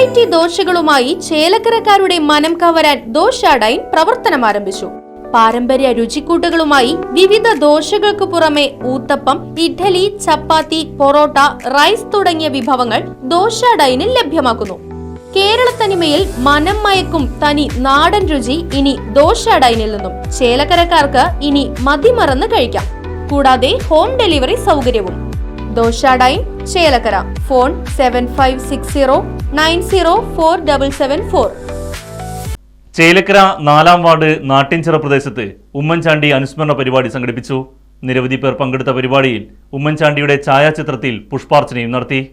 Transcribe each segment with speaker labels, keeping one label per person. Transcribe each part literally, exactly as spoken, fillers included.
Speaker 1: Variety ദോശകളുമായി ചേലക്കരക്കാരുടെ മനം കവരാൻ ദോശാഡൈൻ പ്രവർത്തനം ആരംഭിച്ചു. പാരമ്പര്യ രുചിക്കൂട്ടുകളുമായി വിവിധ ദോശകൾക്ക് പുറമെ ഊത്തപ്പം, ഇഡ്ഡലി, ചപ്പാത്തി, പൊറോട്ട, റൈസ് തുടങ്ങിയ വിഭവങ്ങൾ ദോശാഡൈനിൽ ലഭ്യമാക്കുന്നു. കേരളത്തനിമയിൽ മനം മയക്കും തനി നാടൻ രുചി ഇനി ദോശാഡൈനിൽ നിന്നും ചേലക്കരക്കാർക്ക് ഇനി മതിമറന്ന് കഴിക്കാം. കൂടാതെ ഹോം ഡെലിവറി സൗകര്യവും. Dosa Dine Chelakkara. Phone seven five six zero nine zero four double seven four.
Speaker 2: Chelakkara നാലാം വാർഡ് നാട്ടിൻചിറ പ്രദേശത്ത് ഉമ്മൻചാണ്ടി അനുസ്മരണ പരിപാടി സംഘടിപ്പിച്ചു. നിരവധി പേർ പങ്കെടുത്ത പരിപാടിയിൽ ഉമ്മൻചാണ്ടിയുടെ ഛായാചിത്രത്തിൽ പുഷ്പാർച്ചനയും നടത്തി.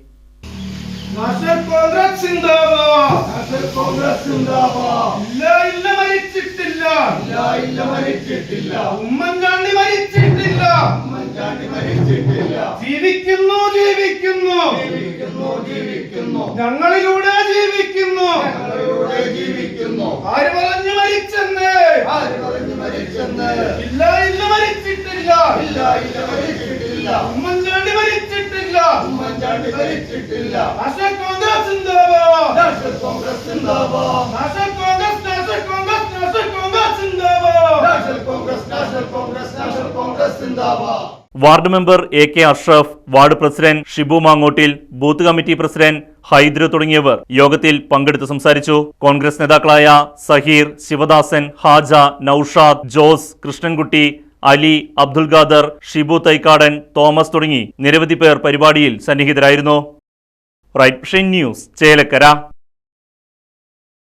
Speaker 3: ഉമ്മൻചാണ്ടി മരിച്ചിട്ടില്ല, ജീവിക്കുന്നു ജീവിക്കുന്നു ജീവിക്കുന്നു ഞങ്ങളിലൂടെ ജീവിക്കുന്നു. ആര് പറഞ്ഞു മരിച്ചെന്ന്? ഇല്ല ഇല്ല മരിച്ചിട്ടില്ല, ഉമ്മൻചാണ്ടി മരിച്ചിട്ടില്ല. ഉമ്മൻചാണ്ടി മരിച്ചിട്ടില്ല. നാഷണൽ കോൺഗ്രസ് സിന്ദാബാദ്, നാഷണൽ കോൺഗ്രസ് സിന്ദാബാദ്, National Congress National Congress National Congress സിന്ദാബാദ്, National Congress National Congress National Congress സിന്ദാബാദ്.
Speaker 2: Ward member A K Ashraf, ward president Shibu Mangottil, booth committee president Haidra തുടങ്ങിയവർ യോഗത്തിൽ പങ്കെടുത്ത് സംസാരിച്ചു. കോൺഗ്രസ് നേതാക്കളായ സഹീർ, ശിവദാസൻ, ഹാജ, നൌഷാദ്, ജോസ്, കൃഷ്ണൻകുട്ടി, അലി, അബ്ദുൽ ഖാദർ, ഷിബു തൈക്കാടൻ, തോമസ് തുടങ്ങി നിരവധി പേർ പരിപാടിയിൽ സന്നിഹിതരായിരുന്നു. Right News Chelakkara.